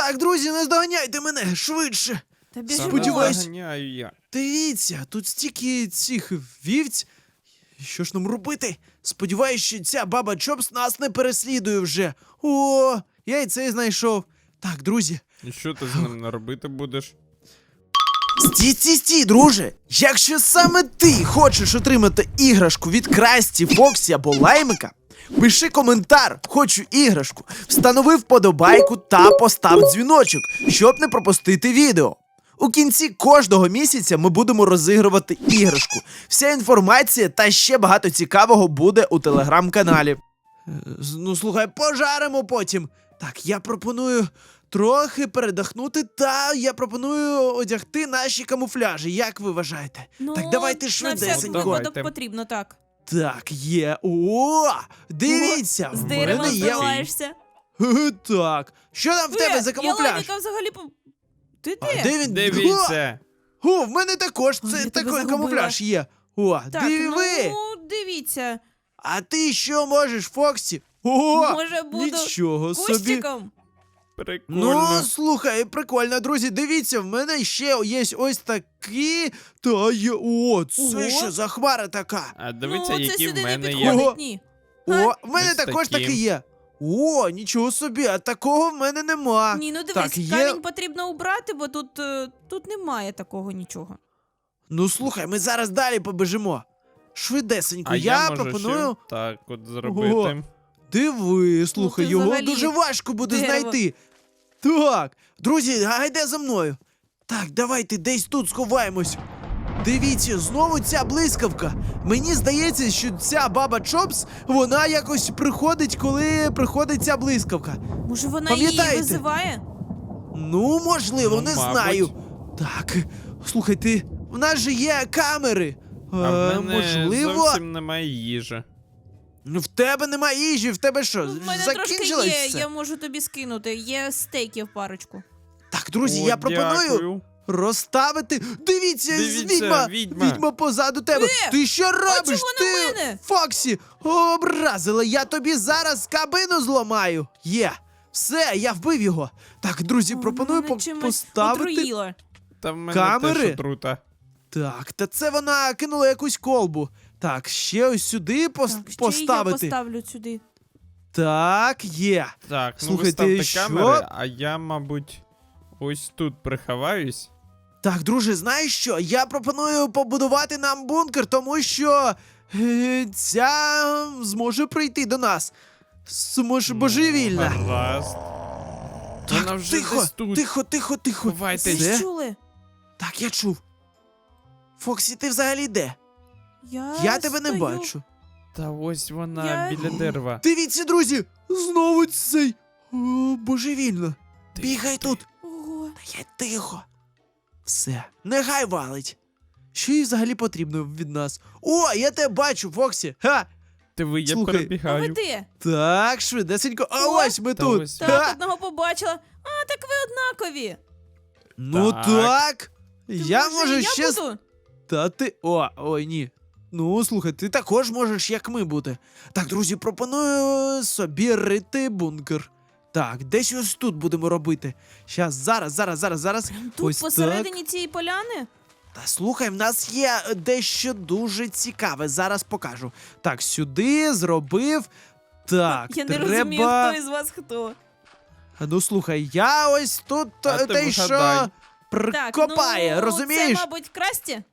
Так, друзі, наздоганяйте мене швидше. Та біжимо. Сподіваюсь. Заганяю я. Дивіться, тут стільки цих вівць. Що ж нам робити? Сподіваюсь, що ця баба Чопс нас не переслідує вже. О, я і цей знайшов. Так, друзі. І що ти з ним робити будеш? Стій, друже! Якщо саме ти хочеш отримати іграшку від Красті, Фоксі або Лаймика, пиши коментар «Хочу іграшку», встанови вподобайку та постав дзвіночок, щоб не пропустити відео. У кінці кожного місяця ми будемо розігрувати іграшку. Вся інформація та ще багато цікавого буде у телеграм-каналі. Ну, слухай, пожаримо потім. Так, я пропоную трохи передохнути, та я пропоную одягти наші камуфляжі. Як ви вважаєте? Ну, так, давайте на всякий швидесенько. випадок Давайте. потрібно, так. Так, є. О, дивіться, З в дерева мене є. збиваєшся. Так, що там в тебе за камуфляж? Я Лайміка взагалі... Ти А де? де він? Дивіться. О, в мене також Ой, це я тебе такий загубила. камуфляж є. О, Так, диви. ну, дивіться. А ти що можеш, Фоксі? О, Може, буду нічого собі. кущиком? Прикольно. Ну, слухай, прикольно, друзі, дивіться, в мене ще є ось такі, та є, о, це Ого. що за хмара така? А дивіться, Ну, це які сюди в не мене є. Ого. підходить, ні. О, в мене Ось також такі. такі є. О, нічого собі, а такого в мене нема. Ні, ну дивись, Так, є. камінь потрібно убрати, бо тут немає такого нічого. Ну, слухай, ми зараз далі побежимо. Швидесенько, А я можу пропоную. ще так от зробити. Диви, слухай, ти його взагалі дуже важко буде дерево. знайти. Так, друзі, гайде за мною. Так, давайте десь тут сховаємось. Дивіться, знову ця блискавка. Мені здається, що ця баба Чопс, вона якось приходить, коли приходить ця блискавка. Може, вона її Пам'ятаєте? визиває? Ну, можливо, Ну, не мабуть. знаю. Так, слухайте, в нас же є камери. А в мене Можливо, зовсім немає їжі. ну в тебе немає їжі, в тебе що, Ну, в мене трошки закінчилось є, все? я можу тобі скинути. Є стейків парочку. Так, друзі, О, я пропоную дякую. розставити. Дивіться, Дивіться, відьма відьма. позаду тебе. Ти що робиш? чого на Ти, мене? Фоксі, образила, я тобі зараз кабину зламаю. Є. Все, я вбив його. Так, друзі, пропоную Мене чимось поставити. отруїла. Та в мене Камери? теж отрута. Так, та це вона кинула якусь колбу. Так, ще ось сюди Так, ще й я поставити. поставлю сюди. Так, є. Так, ну Слухайте, ви ставте що? камери, а я, мабуть, ось тут приховаюсь. Так, друже, знаєш що? Я пропоную побудувати нам бункер, тому що ця зможе прийти до нас. Зможе божевільна. Гаразд. Вона Так, вже тихо, десь тут. тихо. Ховайтесь. Ви Це? чули? Так, я чув. Фоксі, ти взагалі де? Я тебе не стою. бачу. Та ось вона Я- біля дерева. Дивіться, друзі! Знову цей. О, божевільно. Бігай тут. Ого. Та я тихо. Все, нехай валить. Що їй взагалі потрібно від нас? О, я тебе бачу, Фоксі. Ха! Диви, я Слухай, А ви перебігаю. де? Так, швидесенько. А О, ось ми та тут. ось. Так, Ха! одного побачила. А, так ви однакові. Ну Так. так. То, Я може, можу я ще. буду? Та ти. Ой, ні. Ну, слухай, ти також можеш, як ми бути. Так, друзі, пропоную собі рити бункер. Так, десь ось тут будемо робити. Зараз. Тут ось посередині цієї поляни? так. Та слухай, в нас є дещо дуже цікаве. Зараз покажу. Так, сюди зробив. Так, Я не треба. розумію, хто із вас хто. Ну слухай, я ось тут А ти те, що вгадай. прикопає, так, ну, розумієш? Це, мабуть, Красті?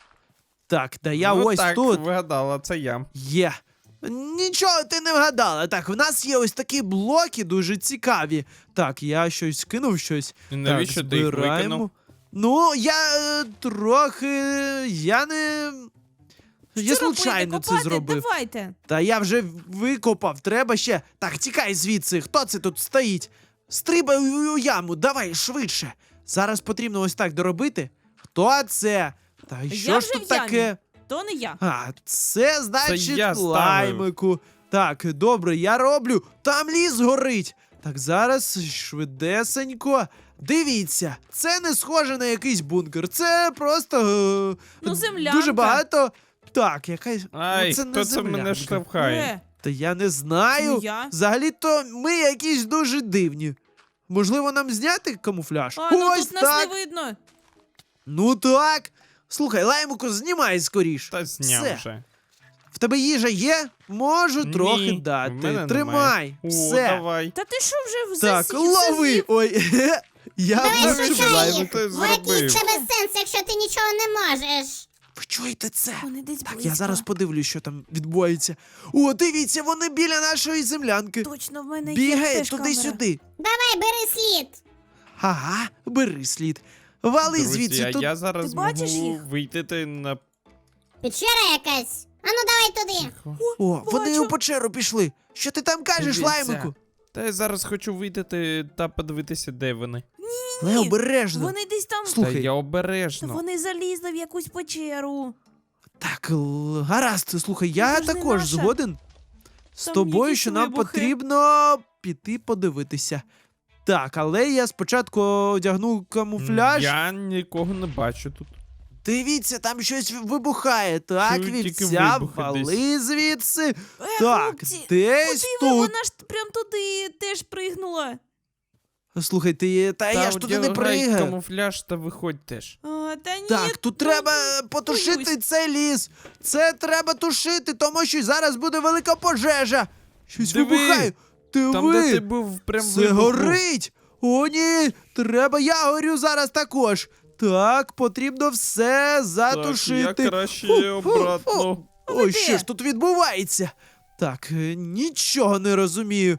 Так, да я Ну ось так, тут. вигадала, це я. Є. Нічого ти не вгадала. Так, в нас є ось такі блоки дуже цікаві. Так, я щось кинув щось. І навіщо так, ти їх збираємо. викинув? Ну, я трохи. Я не. Я Що робити? случайно це Копати? зробив. Давайте. Та я вже викопав, треба ще. Так, тікай звідси. Хто це тут стоїть? Стрибай у яму, давай швидше. Зараз потрібно ось так доробити. Хто це? Та й що Я ж вже тут в ямі. таке? То не я. А, це значить я ставив. лаймику. Так, добре, я роблю. Там ліс горить. Так, зараз швидесенько. Дивіться, це не схоже на якийсь бункер. Це просто Ну, землянка. дуже багато. Так, якась. Ай, ну, це не хто це мене землянка. штовхає? Е, Та я не знаю. Ну, я. Взагалі-то ми якісь дуже дивні. Можливо, нам зняти камуфляж? А, ну Ось тут нас так. не видно. Ну так. Слухай, Лаймику, знімай скоріш. Та зняв Все. вже. В тебе їжа є? Можу Ні, трохи в дати. мене Тримай. немає. О, Все. давай. Та ти що вже Так, засів? лови. Ой, я Давай вивчив шукай Лаймика. їх. Ти Який зробив. в тебе сенс, якщо ти нічого не можеш? Ви чуєте це? Вони десь Так, близько. я зараз подивлюсь, що там відбувається. О, дивіться, вони біля нашої землянки. Точно, в мене є Бігає теж камера. туди-сюди. Давай, бери слід. Ага, бери слід. Вали Друзі, звідси. а Тут... я зараз Ти бачиш можу їх? вийти на... Печера якась. Ану, давай туди. О, вони бачу. у печеру пішли. Що ти там кажеш, Дивіться. Лаймику? Та я зараз хочу вийти та подивитися, де вони. Не обережно. Вони десь там. Слухай. Та я Та обережно. вони залізли в якусь печеру. Так, гаразд, слухай, я це ж не також наша. згоден з Там тобою, якісь що нам вибухи. потрібно піти подивитися. Так, але я спочатку одягну камуфляж. Я нікого не бачу тут. Дивіться, там щось вибухає. Так, Чую тільки вівця, вибухи вали звідси. Е, Так, хлопці, десь Куди ви? тут. Вона ж прям туди теж пригнула. Слухай, я ж туди не одягай пригаю. камуфляж та виходь теж. Та ні. Так, тут ну, треба потушити боюсь. цей ліс. Це треба тушити, тому що зараз буде велика пожежа. Щось Диви, вибухає. Там, де ти був, прям Це вибух був. горить! О, ні! Треба, я горю зараз також. Так, потрібно все Так, затушити. я краще Фу, фу, обратно. фу. А ви Ой, де? що ж тут відбувається? Так, нічого не розумію.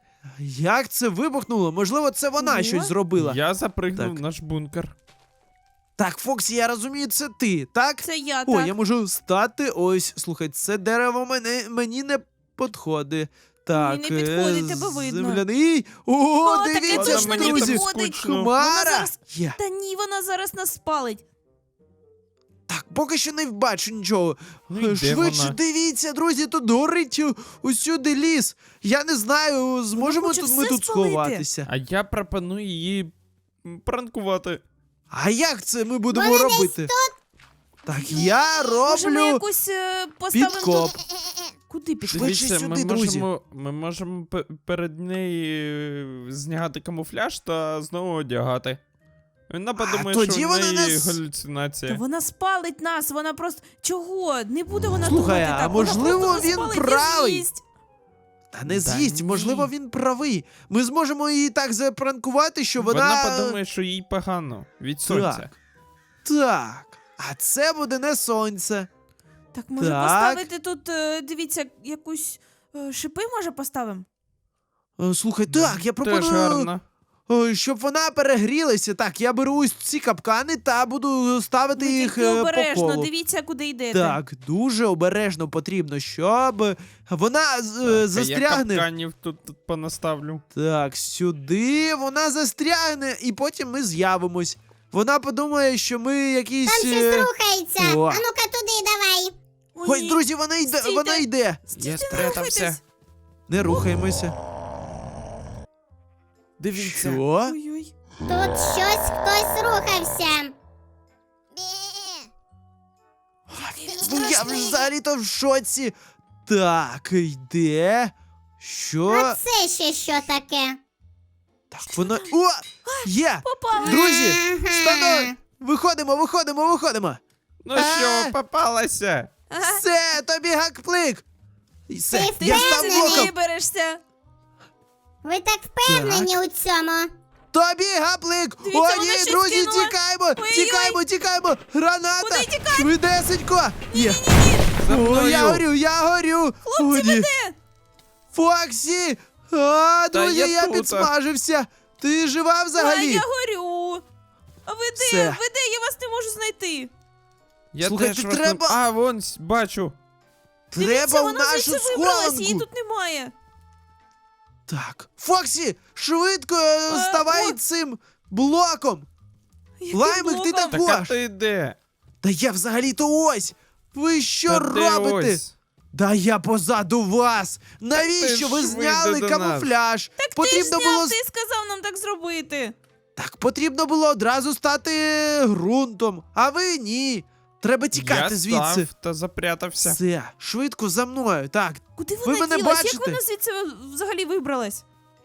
Як це вибухнуло? Можливо, це вона Ого. щось зробила. Я запригнув Так. в наш бункер. Так, Фоксі, я розумію, це ти, так? Це я, О, так. я можу стати. Ось, слухай, це дерево мені не підходить. Так, не підходить, тебе видно. земляний. О, таке дивіться точно ж, не друзі. підходить. скучно. Вона Хмара зараз- є. Та ні, вона зараз нас спалить. Так, поки що не бачу нічого. Ну, і де Швидше вона? дивіться, друзі, тут горить усюди ліс. Я не знаю, зможемо хоче тут ми все тут спалити. сховатися. А я пропоную її пранкувати. А як це ми будемо Вони десь робити? Так, я Може, ми роблю. якусь поставимо підкоп. тут. Куди пішли? Швидше Дивіться, сюди, друзі. ми можемо перед нею зняти камуфляж та знову одягати. Вона подумає, тоді що в вона неї нас- Та галюцинація. вона спалить нас, вона просто. Чого? Не буде вона Слухай, думати а так. Вона можливо, просто нас він спалить і правий. з'їсть. Та не Да з'їсть, ні. можливо, він правий. Ми зможемо її так запранкувати, що Вона подумає, що їй погано від сонця. Так. А це буде не сонце. Так, може Так. поставити тут, дивіться, якусь шипи, може поставимо? Слухай, так, я Теж пропоную, гарно. щоб вона перегрілася. Так, я беру ось ці капкани та буду ставити Ну, їх тільки по обережно, колу. дивіться, куди йдете. Так, дуже обережно потрібно, щоб вона Я застрягне. капканів тут понаставлю. Так, сюди вона застрягне, і потім ми з'явимось. Вона подумає, що ми якісь. Там щось рухається. О. А ну-ка туди давай. О, Ось, ні. друзі, вона йде, Стійте. вона йде. Стійте, Я не спрятався. рухайтесь. Не рухаємося. Дивіться. Що? Ой-ой. Тут щось хтось рухався. Ну, я взагалі-то в шоці. Так, йде. Що? А це ще що таке? Так, вона. О! Є! Попали. Друзі, Ага. стану! Виходимо! Ну А. що, попалася? Ага. Все, тобі гакплик! І все, Ти я став впевнений? блоком! Виберешся. Ви так впевнені у цьому? Тобі гаплик! Дивіться, О, вона ні, щось друзі, кинула. тікаємо! Ой-ой-ой. Тікаємо! Граната! Куди тікати? Швидесенько! Є! За О, мною. я горю! О, ні. Фоксі! А, Та друзі, я я тут. підсмажився! Ти жива А взагалі? я горю. А ви де? Все. Ви де? Я вас не можу знайти. Я Слухай, теж ти вас не- треба- А, вон, бачу. Треба Дивіться, в вона нашу звідси вибралась, її схованку! тут немає. Так, Фоксі, швидко ставай о. цим блоком! Яким Лаймик, ти блоком? так- Так, а Гош. ти де? Та я взагалі-то ось! Ви що Та де робите? ось? Да я позаду вас! Навіщо ви швидше зняли до нас. камуфляж? Так Потрібно ти ж було зняв, ти сказав нам так зробити. Так, потрібно було одразу стати ґрунтом, а ви ні. Треба тікати Я звідси. став та запрятався. Все, швидко за мною. Так, Куди Ви вона мене ділась? бачите? Як вона звідси взагалі вибралась?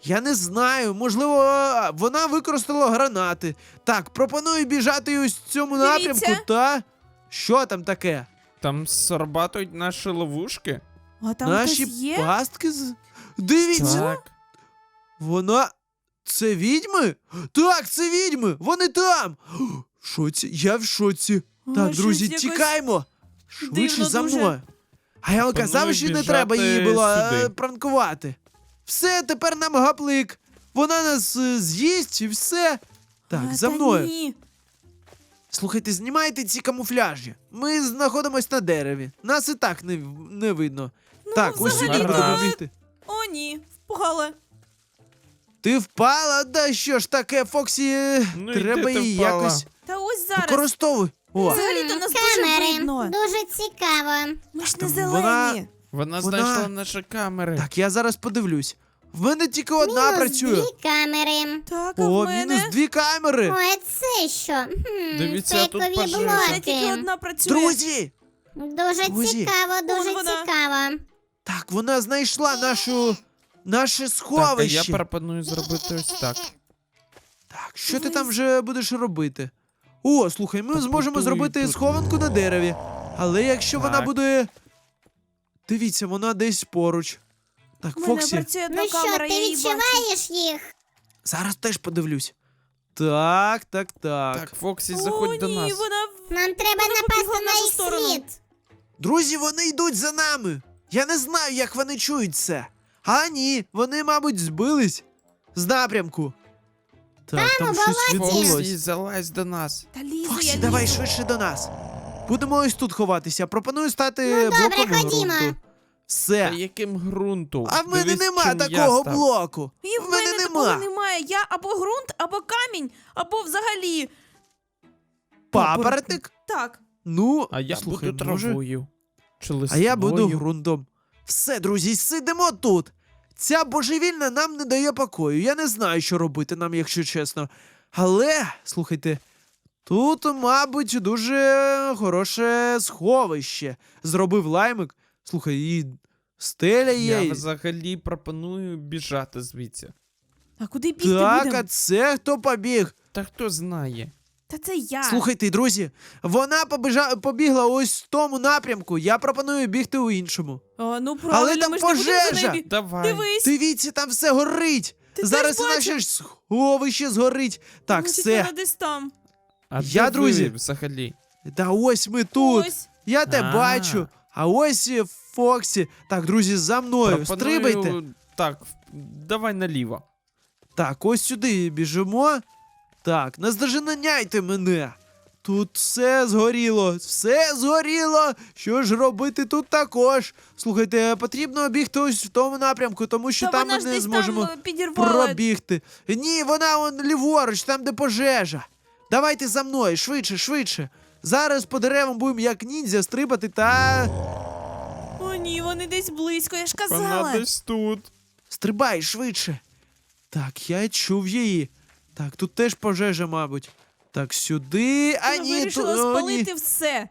Я не знаю, можливо, вона використала гранати. Так, пропоную біжати ось в цьому Дивіться. напрямку, та. Що там таке? Там сорбатують наші ловушки. А там Наші хтось є? пастки Дивіться! Так. Вона. Це відьми? Так, це відьми! Вони там! В шоці, я в шоці. О, Так, щось друзі, якось тікаймо! Швидше дивно за дуже. мною. А я вам казав, Пропоную що не біжати треба її було сюди. пранкувати. Все, тепер нам гаплик. Вона нас з'їсть і все. Так, А, за та мною. Ні. Слухайте, знімайте ці камуфляжі. Ми знаходимось на дереві. Нас і так не видно. так, ось сюди взагалі-то- будемо бігти. О, ні, впала. Ти впала? Да що ж таке, Фоксі? Ну, і Треба де ти її впала? якось Та ось зараз. використовуй. О, Взагалі-то нас дуже Камери. видно. Дуже цікаво. Ми ж Там не вона- зелені. Вона Вона- знайшла наші камери. так, я зараз подивлюсь. В мене тільки одна Мінус працює. 2 камери. Так, а О, в мене? мінус 2 камери. Ой, це що? Дивіться, тут фейкові пожежа. У мене тільки блоки. одна працює. Друзі! Дуже Друзі. цікаво, дуже Вон вона. цікаво. Так, вона знайшла наше Так, а сховище. я пропоную зробити ось так. Так, що ти там вже будеш робити? О, слухай, ми зможемо Побудуй зробити тут. схованку на дереві. Але якщо вона Так. буде. Дивіться, вона десь поруч. Так, У мене Фоксі, працює одна Ну що, камера, ти я її бачу. відчуваєш їх? зараз теж подивлюсь. Так. Так, Фоксі, О, заходь до ні, нас. вона... Нам треба Вона побігла напасти в на нашу їх сторону. слід. Друзі, вони йдуть за нами. Я не знаю, як вони чують це. А ні, вони, мабуть, збились з напрямку. Так, там щось болоті. відбулось. Фоксі, залазь до нас. Та лізу, Фоксі, я давай лізу. швидше до нас. Будемо ось тут ховатися. Пропоную стати Ну, добре, блоком ходімо. ґрунту. Все. Та яким ґрунту? А в мене Дивись, нема чим я такого став. блоку. І в мене такого немає. Я або ґрунт, або камінь, або взагалі... Папоротник? Так. Ну, А я слухай, буду може... травою. Чи А я буду листвою. ґрунтом. Все, друзі, сидимо тут. Ця божевільна нам не дає покою. Я не знаю, що робити нам, якщо чесно. Але, слухайте, тут, мабуть, дуже хороше сховище. Зробив лаймик. Слухай, і стеля є. Я взагалі пропоную біжати звідси. А куди бігти Так, будемо? а це хто побіг? Та хто знає? Та це я. Слухайте, друзі, вона побігла ось в тому напрямку. Я пропоную бігти у іншому. А, ну правильно, там ми ж не будемо за пожежа! нею Давай. Дивись. Дивіться, там все горить. Ти Зараз теж і наше бачив? ж сховище згорить. Так, Значить, все. вона десь там. А Я, де друзі. ви взагалі? Та ось ми тут. Ось. Я те А. бачу. А ось і Фоксі. Так, друзі, за мною. Стрибайте. Так, давай наліво. Так, ось сюди біжимо. Так, наздоженяйте мене. Тут все згоріло, все згоріло. Що ж робити тут також? Слухайте, потрібно бігти ось в тому напрямку, тому що Та там вона ми ж не десь зможемо там підірвала. пробігти. Ні, вона он ліворуч, там де пожежа. Давайте за мною, швидше. Зараз по деревам будемо як ніндзя стрибати та. О, ні, вони десь близько, я ж Вона казала. десь тут. Стрибай швидше. Так, я чув її. Так, тут теж пожежа, мабуть. Так, сюди. А Вона ні, вирішила о, ні. спалити все.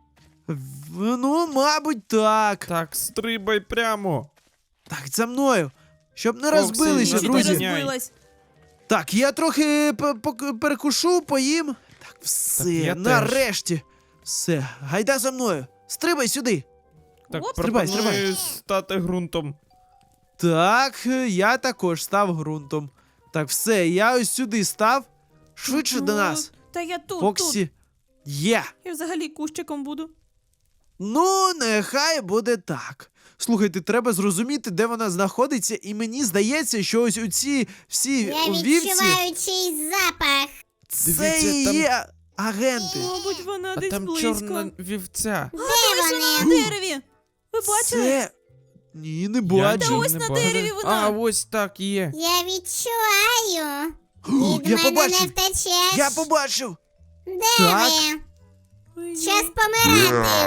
Ну, мабуть, так. Так, стрибай прямо. Так, за мною. Щоб не Фоксі, розбилися, Ні, Чи ти друзі. розбили? розбилась? Так, я трохи перекушу, поїм. Так, все, Так, я нарешті. Все, гайда за мною. Стрибай сюди. Так, Оп. Стрибай, пропоную стати ґрунтом. Так, я також став ґрунтом. Так, все, я ось сюди став. Швидше до Ну, нас. Та я тут, тут. Фоксі. Є. Я взагалі кущиком буду. Ну, нехай буде так. Слухайте, треба зрозуміти, де вона знаходиться, і мені здається, що ось оці всі Я вівці, відчуваю чийсь запах. це Дивіться, і там- є агенти. Мабуть, вона А десь там близько. чорна вівця. Де На вони? дереві. Ви бачили? Це... Ні, не Я бачу. Та ось не на бачу. дереві вона. А, ось так є. Я відчуваю. О, Від я мене не побачив. втечеш. Я побачив. Де Так. ви? Ой, Час ні. помирати.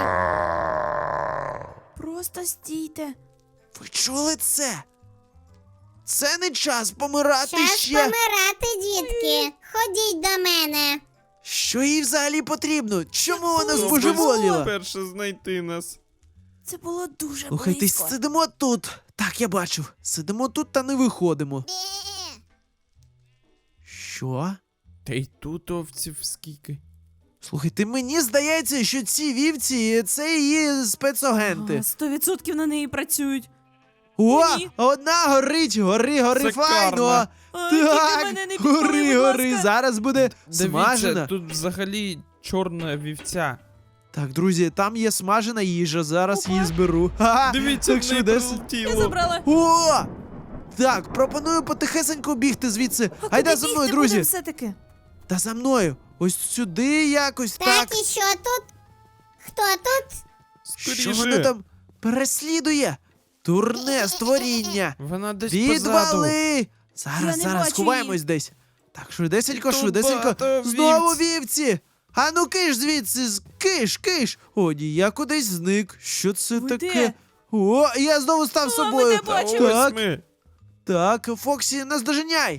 Просто стійте. Ви чули це? Це не час помирати Час ще. помирати, дітки. Ходіть до мене. Що їй взагалі потрібно? Чому вона Хто збожеволіла? перше знайти нас? Це було дуже Слухайте, близько. сидимо тут. Так, я бачив. Сидимо тут та не виходимо. Що? Та й тут овців скільки. Слухайте, мені здається, що ці вівці це її спецагенти. 100% на неї працюють. О, ні. одна горить, гори, Це файно. карма. Тільки Так, мене не підпали, гори, будь гори, ласка. зараз буде Дивіться, смажена. тут взагалі чорна вівця. Так, друзі, там є смажена їжа, зараз Опа. її зберу. Ха-ха, Дивіться, так в неї швидесенько. Я прилетіло. забрала. О! Так, пропоную потихесенько бігти звідси. А Гайда куди за мною, бігти друзі. будемо все-таки? Та за мною. Ось сюди якось Так, так. і що тут? Хто тут? Що воно Скоріше. там переслідує? Дурне створіння. Вона десь позаду. Відвали! Я Зараз, не зараз, бачу сховаємось десь. Так, швидесенько, Тут швидесенько. багато Знову вівць. вівці! А ну киш звідси, киш! О, ні, я кудись зник. Що це Ви таке? де? О, я знову став О, собою. ми тебе бачимо. Та ось Так, ми. так, Фоксі, наздоженяй!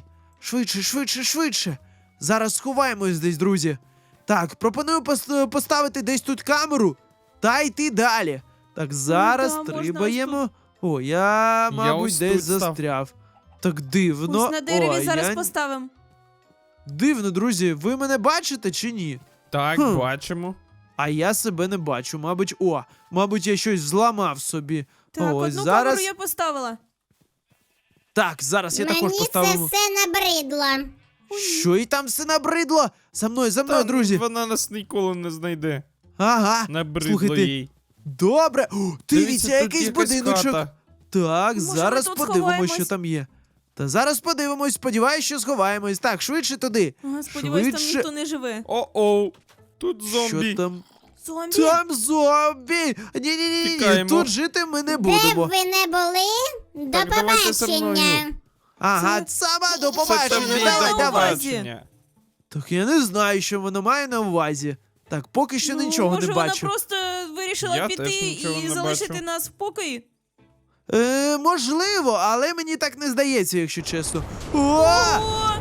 Швидше. Зараз сховаємось десь, друзі. Так, пропоную поставити десь тут камеру та йти далі. Так, зараз да, можна стрибаємо. О, я, мабуть, ось десь тут став. застряв. Так дивно. Ось на дереві Ой, зараз я... поставимо. Дивно, друзі, ви мене бачите чи ні? Так, Хм. бачимо. А я себе не бачу. Мабуть, я щось зламав собі. Так, Ось одну зараз. камеру я поставила. Так, зараз я також Мені це поставив. все набридло. Що і там все набридло? За мною, Та друзі. Вона нас ніколи не знайде. Ага. Набридло Слухайте, їй. добре. О, дивіться, тут якийсь якась будиночок. хата. Так, Може, зараз ми тут подивимось, сховаємось? що там є. Та зараз подивимось, сподіваюсь, що сховаємось. Так, швидше туди. Ага, сподіваюсь, там Швидше. ніхто не живе. О-оу. Тут зомбі. Що там? Зомбі? Там зомбі! Ні, Тікаємо. тут жити ми не Де б будемо. ви не були? До Так, давайте зі мною. побачення. Ага, Це- сама до Це побачення, тобі давай, до давай. побачення. Так я не знаю, що воно має на увазі. Так, поки що нічого може, не бачу. вона просто вирішила Я піти теж нічого і не залишити бачу. нас в покої? Можливо, але мені так не здається, якщо чесно. О! О,